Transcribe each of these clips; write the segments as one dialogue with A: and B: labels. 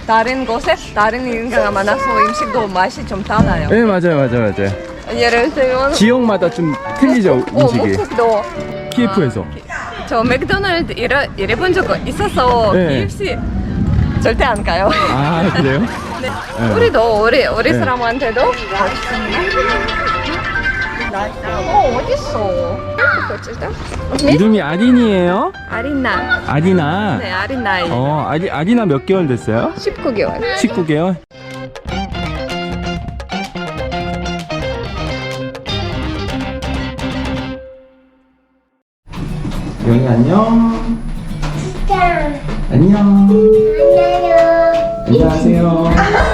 A: 다른 곳에 다른 인가가 많아서 음식도 맛이 좀 달라요.
B: 네, 맞아요.
A: 예를 들면
B: 지역마다 좀 틀리죠, 음식이.
A: 목국도
B: 키예프에서.
A: 저 맥도날드 일해본 적 있어서
B: 네.
A: KFC 절대 안 가요.
B: 아, 그래요?
A: 네.
B: 네.
A: 우리도 우리
B: 네.
A: 사람한테도 어딨어?
B: 이름이 아린이에요?
A: 아리나.
B: 아리나.
A: 네, 아리나이.
B: 아리나 몇 개월 됐어요?
A: 19개월.
B: 19개월? 영희 안녕. 안녕. 안녕하세요.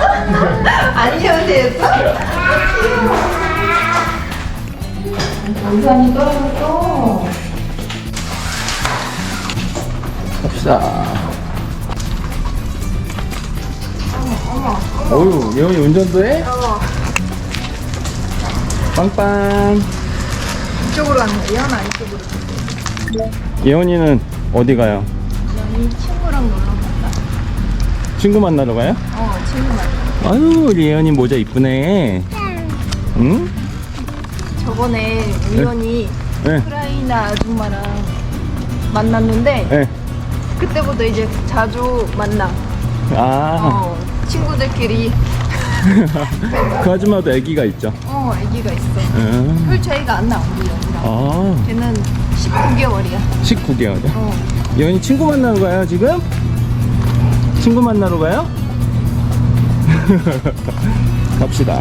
A: 안녕하세요. 우산이 떨어졌어.
B: 갑시다. 어휴, 예원이 운전도 해? 빵빵.
A: 이쪽으로 가는 거야? 예언아 이쪽으로.
B: 예원이는 어디 가요?
A: 예언이 친구랑 놀러 간다.
B: 친구 만나러 가요?
A: 친구 만나.
B: 아유, 우리 예원이 모자 이쁘네. 응?
A: 저번에 예언이
B: 네.
A: 우크라이나 아줌마랑 만났는데
B: 네.
A: 그때부터 이제 자주 만나.
B: 아,
A: 친구들끼리.
B: 그 아줌마도 아기가 있죠?
A: 아기가 있어.
B: 응.
A: 별 차이가 안 나, 우리 여기랑.
B: 아,
A: 걔는 19개월이야.
B: 19개월이요? 예원이 친구 만나러 가요, 지금? 친구 만나러 가요? 갑시다.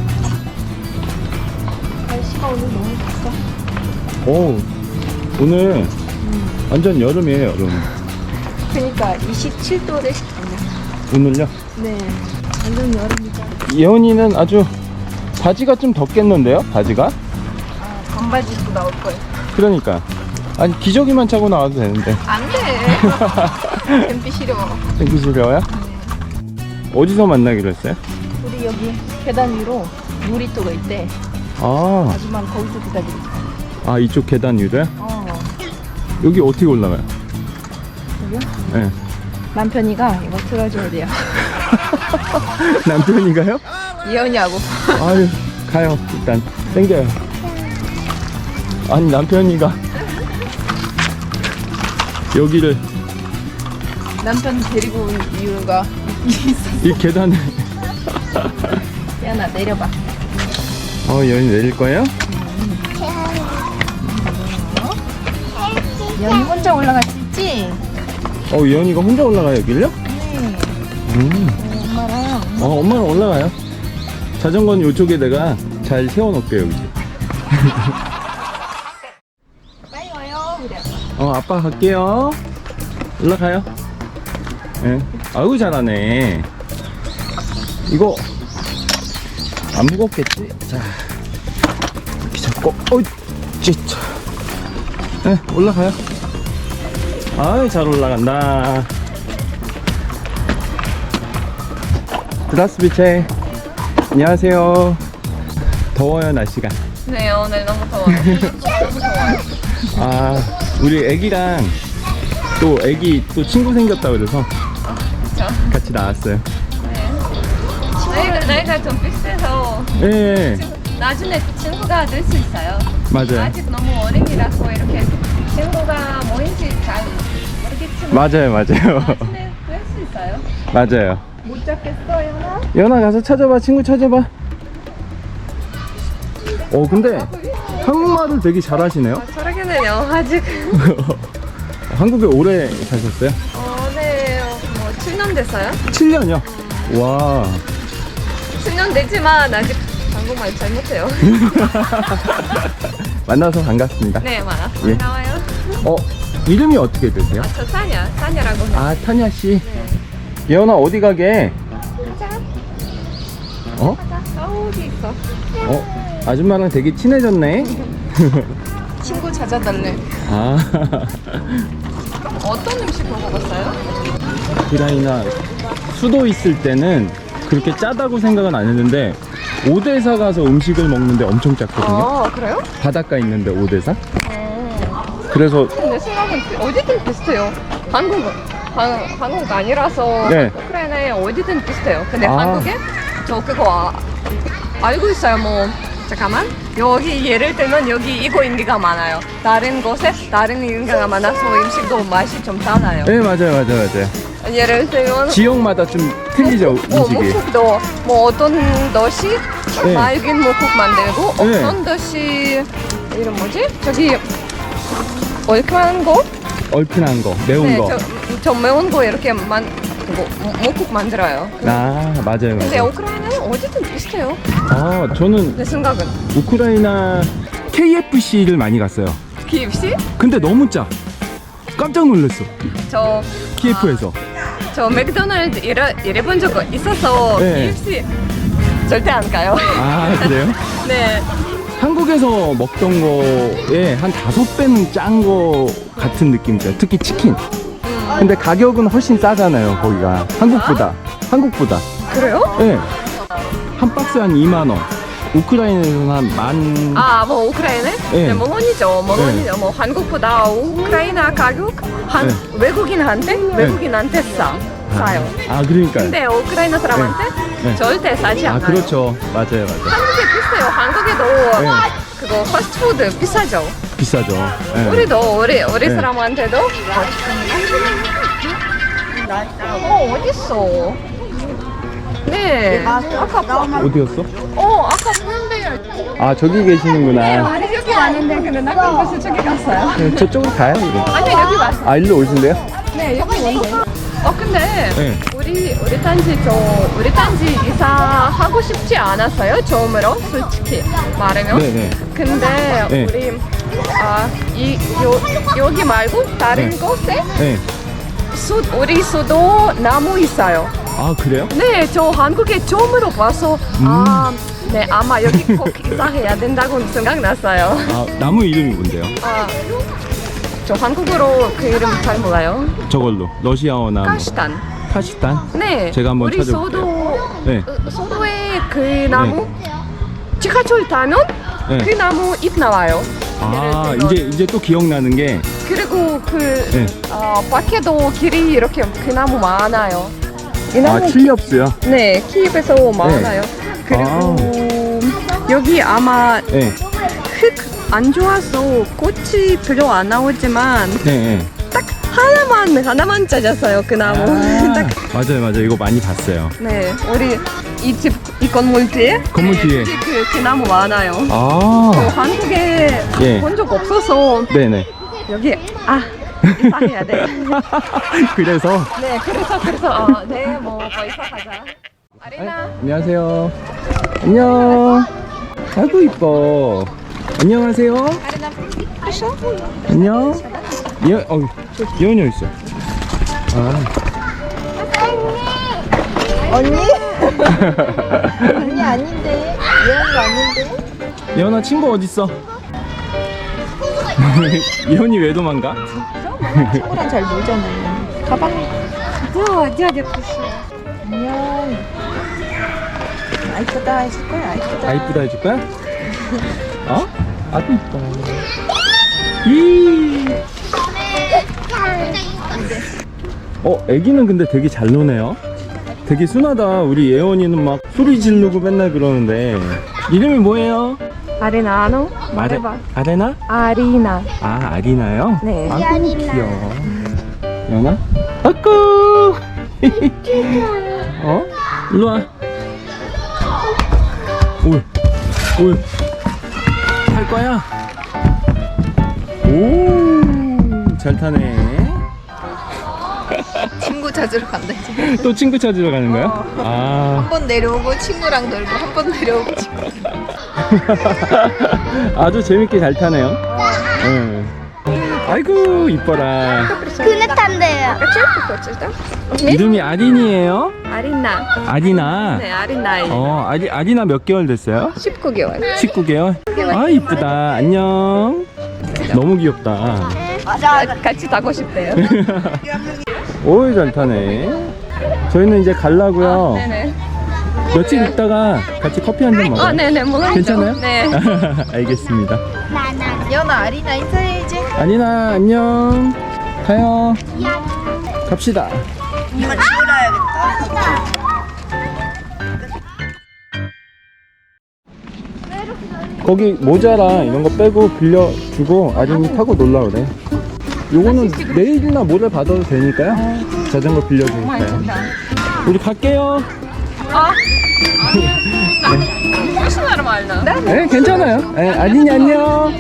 A: 날씨가 오늘 너무 좋다.
B: 오, 오늘 완전 여름이에요, 여름.
A: 그러니까 27도를 시켰네.
B: 오늘요?
A: 네. 완전 여름이죠.
B: 예원이는 아주 바지가 좀 덥겠는데요? 바지가?
A: 반바지 입고 나올 거예요.
B: 그러니까 아니 기저귀만 차고 나와도 되는데
A: 안 돼. 뱀피 싫어.
B: 땡기 싫어요? 어디서 만나기로 했어요?
A: 우리 여기 계단 위로 놀이터가 있대.
B: 아,
A: 아줌마는 거기서 기다리니까.
B: 아 이쪽 계단 위로요? 여기 어떻게 올라가요?
A: 여기요?
B: 네.
A: 남편이가 이거 틀어줘야 돼요.
B: 남편이가요?
A: 예언이하고.
B: 아유 가요 일단 땡겨요. 아니 남편이가 여기를
A: 남편 데리고 온 이유가 있어.
B: 이 계단을
A: 예언아 내려봐.
B: 예원이 내릴 거예요?
A: 예언이 혼자 올라갈 수 있지?
B: 예원이가 혼자 올라가요 여기를요?
A: 네. 엄마랑.
B: 엄마는 올라가요. 자전거는 이쪽에 내가 잘 세워놓을게요 여기.
A: 빨리 와요. 그래.
B: 아빠 갈게요. 올라가요. 예. 아유 잘하네. 이거 안 무겁겠지? 자 이렇게 잡고 진짜. 예, 올라가요. 아유 잘 올라간다. 드라스비체. 안녕하세요. 더워요 날씨가.
A: 네, 오늘 너무 더워요. 너무 더워요.
B: 아, 우리 애기랑 또 애기 또 친구 생겼다 그래서
A: 그쵸?
B: 같이 나왔어요.
A: 네. 나이가 좀 비슷해서
B: 예,
A: 나중에 친구가 될 수 있어요.
B: 맞아요.
A: 아직 너무 어린이라서 이렇게 친구가 뭐인지 잘 모르겠지만
B: 맞아요.
A: 나중에 될 수 있어요.
B: 맞아요.
A: 못 잡겠어요, 나?
B: 연아 가서 찾아봐, 친구 찾아봐. 근데 한국말을 되게 잘하시네요.
A: 저러겠네요, 아직.
B: 한국에 오래 사셨어요?
A: 네, 뭐 7년 됐어요?
B: 7년이요? 와.
A: 7년 됐지만 아직 한국말 잘 못해요.
B: 만나서 반갑습니다.
A: 네, 많아.
B: 예.
A: 나와요.
B: 이름이 어떻게 되세요?
A: 저 사냐라고 해요.
B: 아, 타냐 씨.
A: 네.
B: 예원아 어디 가게?
A: 가자.
B: 어?
A: 어디 있어?
B: 아줌마랑 되게 친해졌네.
A: 친구 찾아달래.
B: 아.
A: 어떤 음식 먹어봤어요?
B: 우크라이나 수도 있을 때는 그렇게 짜다고 생각은 안 했는데 오데사 가서 음식을 먹는데 엄청 짰거든요.
A: 그래요?
B: 바닷가 있는데 오데사. 그래서
A: 근데 생각은 어디든 비슷해요. 한국은. 한국 아니라서
B: 네.
A: 우크라이나에 어디든 비슷해요. 근데
B: 아.
A: 한국에 저 그거 알고 있어요. 뭐 잠깐만 여기 예를 들면 여기 이거 인기가 많아요. 다른 곳에 다른 인기가 많아서 음식도 맛이 좀 달라요.
B: 네, 맞아요.
A: 예를 들면
B: 지역마다 좀 틀리죠, 음식이.
A: 목국도 뭐 어떤 도시
B: 네.
A: 맑은 목국 만들고
B: 네.
A: 어떤 도시 이름 뭐지? 저기 얼큰한 거?
B: 얼큰한 거, 매운
A: 네,
B: 거.
A: 저 매운 거 이렇게 목국 만들어요.
B: 아, 맞아요.
A: 근데 우크라이나는 어디든 비슷해요.
B: 아, 저는
A: 내 생각은.
B: 우크라이나 KFC를 많이 갔어요.
A: KFC?
B: 근데 너무 짜. 깜짝 놀랐어.
A: 저
B: KF에서.
A: 맥도날드 일해본 적 있어서
B: 네.
A: KFC 절대 안 가요.
B: 아, 그래요?
A: 네.
B: 한국에서 먹던 거에 한 5배는 짠 거 같은 느낌이죠. 특히 치킨. 근데 가격은 훨씬 싸잖아요, 거기가. 한국보다.
A: 그래요?
B: 네. 한 박스 한 2만 원. 우크라이나에서는 한 만.
A: 뭐 우크라이나?
B: 네.
A: 네, 뭐 뭐 한국보다 우크라이나 가격
B: 네.
A: 외국인한테 싸요.
B: 아, 그러니까요.
A: 근데 우크라이나 사람한테
B: 네.
A: 절대 싸지 않아요.
B: 아, 그렇죠. 맞아요.
A: 한국에 비슷해요. 한국에도
B: 네.
A: 그거 패스트푸드 비싸죠.
B: 비싸죠. 네.
A: 우리
B: 네.
A: 사람한테도. 어딨어? 네. 아까
B: 어디였어?
A: 아까 보는데요.
B: 아, 저기 계시는구나.
A: 아니 여기 왔는데 근데 나 그래서 저기 갔어요.
B: 네, 저쪽으로 가요, 이거.
A: 아니 여기 왔어.
B: 아, 일로 오신대요?
A: 네 여기 왔는데. 근데
B: 네.
A: 우리 단지 이사하고 싶지 않았어요. 처음으로 솔직히 말하면.
B: 네네.
A: 근데
B: 네.
A: 우리 여기 말고 다른
B: 네.
A: 곳에
B: 네.
A: 우리 수도 나무 있어요.
B: 아, 그래요?
A: 네, 저 한국에 처음으로 봐서 네 아마 여기 꼭 이사해야 된다고 생각났어요.
B: 아, 나무 이름이 뭔데요?
A: 저 한국어로 그 이름 잘 몰라요.
B: 저걸로. 러시아어나 뭐.
A: 카시탄.
B: 카시탄?
A: 네.
B: 제가 한번
A: 우리
B: 찾아볼게요. 네.
A: 소도에 그 나무 지하철 타면
B: 네.
A: 그 나무 잎 나와요.
B: 아,
A: 예를 들면.
B: 이제 또 기억나는 게.
A: 그리고
B: 네.
A: 밖에도 길이 이렇게 그 나무 많아요. 이
B: 아,
A: 나무
B: 칠렵스요?
A: 네, 키입에서 많아요. 그리고 여기 아마
B: 네.
A: 흙 안 좋아서 꽃이 별로 안 나오지만
B: 네.
A: 딱 하나만 찾았어요 그 나무. 딱
B: 맞아요. 이거 많이 봤어요.
A: 네, 우리 이 건물 뒤에
B: 건물 뒤에.
A: 그 나무 많아요.
B: 아.
A: 한국에
B: 예.
A: 본 적 없어서
B: 네네.
A: 여기 이사해야 돼.
B: 그래서.
A: 네, 그래서 뭐 이사하자. 아리나.
B: 안녕하세요. 안녕. 아이고, 이뻐. 안녕하세요.
A: 아리나, хорошо?
B: 안녕. 예원이 있어. 아.
C: 언니? 언니 아닌데 예언도 아닌데
B: 예원아, 친구 어딨어? 예원이 왜 도망가?
C: 친구랑 잘 놀잖아요. 가봐.
A: дядя пришел.
C: 안녕. 이쁘다 해줄 거야.
B: 아, 이쁘다 해줄 거야? 어? 아주 이뻐. 이. 애기는 근데 되게 잘 노네요. 되게 순하다. 우리 예원이는 막 소리 지르고 맨날 그러는데. 이름이 뭐예요?
A: 아리나 아노? 말해봐.
B: 아레나?
A: 아리나.
B: 아, 아리나요?
A: 네.
B: 아이고, 귀여워. 예원아? 아꾸. 일로 와. 올. 탈 거야? 오, 잘 타네.
C: 친구 찾으러 간다지.
B: 또 친구 찾으러 가는 거야? 아.
C: 한 번 내려오고 친구랑 놀고 한 번 내려오고 친구.
B: 아주 재밌게 잘 타네요. 응. 아이고, 이뻐라.
D: 그릇한데요.
B: 이름이 아린이에요?
A: 아리나.
B: 아리나.
A: 네, 아리나예요.
B: 아리나 몇 개월 됐어요?
A: 19개월.
B: 19개월? 아, 이쁘다. 안녕. 너무 귀엽다.
A: 같이 타고 싶대요.
B: 오이, 잘 타네. 저희는 이제 가려고요.
A: 네네.
B: 며칠 있다가 같이 커피 한 잔 먹어요.
A: 네네, 물론이죠.
B: 괜찮아요?
A: 네.
B: 알겠습니다.
C: 예언아 아리나 인사해야지.
B: 아리나, 안녕. 가요. 갑시다.
C: 이거 치우라야겠다.
B: 거기 모자랑 이런 거 빼고 빌려주고 아린이 타고 놀라 그래. 요거는 내일이나 모레 받아도 되니까요. 자전거 빌려주니까요. 우리 갈게요.
A: 무슨 말 말나?
B: 네, 괜찮아요. 네, 아린이 안녕.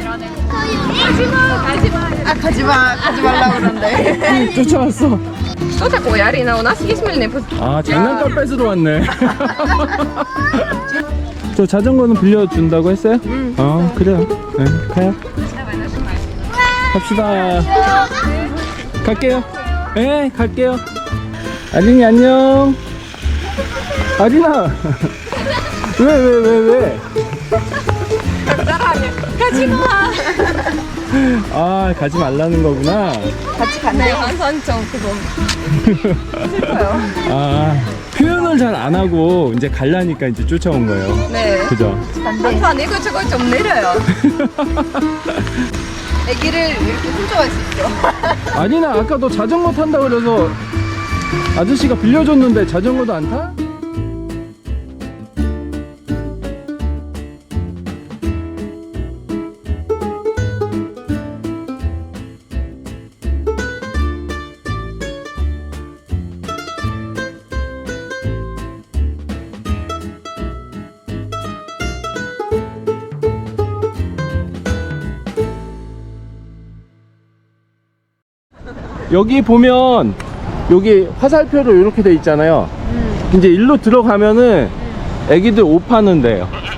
C: 가지 말라고 그러는데.
B: 쫓아왔어.
A: Что такое, Арина? У нас есть мыльный пузырь.
B: 아, 장난감 뺏으러 왔네. 저 자전거는 빌려준다고 했어요? 그래요. 네, 가요. 갑시다. 갈게요. 네, 갈게요. 아린이 안녕. 아린아. 왜?
A: 가지 마.
B: 아, 가지 말라는 거구나.
C: 같이
A: 네,
C: 간대.
A: 한선 좀 그거. 슬퍼요.
B: 아, 표현을 잘 안 하고 이제 갈라니까 이제 쫓아온 거예요.
A: 네.
B: 그죠?
A: 한선 이것저것 좀 느려요.
C: 애기를 이렇게 훔쳐갈 수 있어.
B: 아니나 아까 너 자전거 탄다 그래서 아저씨가 빌려줬는데 자전거도 안 타? 여기 보면 여기 화살표로 이렇게 돼 있잖아요. 이제 일로 들어가면은 애기들 옷 파는 데요.